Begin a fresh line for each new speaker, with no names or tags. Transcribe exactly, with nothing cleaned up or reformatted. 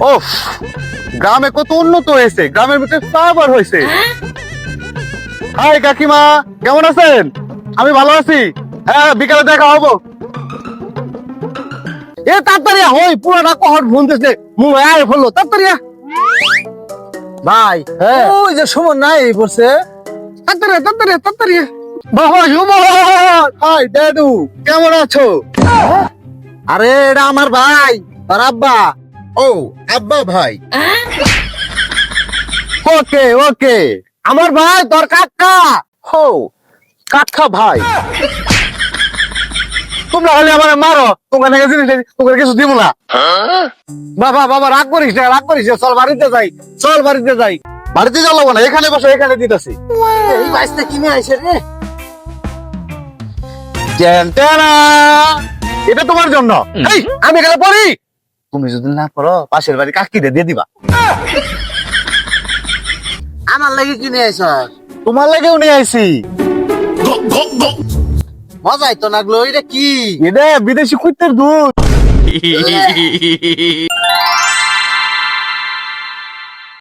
ও গ্রামে কত উন্নত হয়েছে, গ্রামের ভিতরে ফ্লাইওভার হয়েছে। হাই কাকিমা, কেমন আছেন? আমি ভালো আছি। হ্যাঁ, বিকালে দেখা হবো। এ তাড়াতাড়ি হই, পুরোটা কহর ফোন দিছে, মুই আয় ফেললো তাড়াতাড়ি।
ভাই
হ্যাঁ।
ওই যে সুমন নাই বলছে
তাড়াতাড়ি তাড়াতাড়ি তাড়াতাড়ি। বাবা সুমন, হাই দাদু, কেমন আছো?
আরে এটা আমার ভাই তোর আব্বা।
ও আব্বা ভাই। ওকে ওকে,
আমার ভাই তোর কাকা।
হো কাকা ভাই। তোমরা হলে আমার মারো, তোমার নাকি জিনিস তোমার কিছু দিব না।
বাবা বাবা রাগ করিস না, রাগ করিস না, চল বাড়িতে যাই, চল বাড়িতে যাই।
বাড়িতে যাবো না, এখানে বসে এখানে দিতেছি।
এই বাইসটা কিনে আইছে রে।
এটা তোমার জন্য।
এই আমি গেলে পড়ি।
তুমি যদি না করো, পাশের বাড়ি কাকিরে দিয়ে দিবা।
আমার লাগি কিনে আইছ,
তোমার লাগেও নিয়ে আইছি।
মজাই তো লাগলো। এটা কি?
এটা বিদেশি কুত্তের দুধ।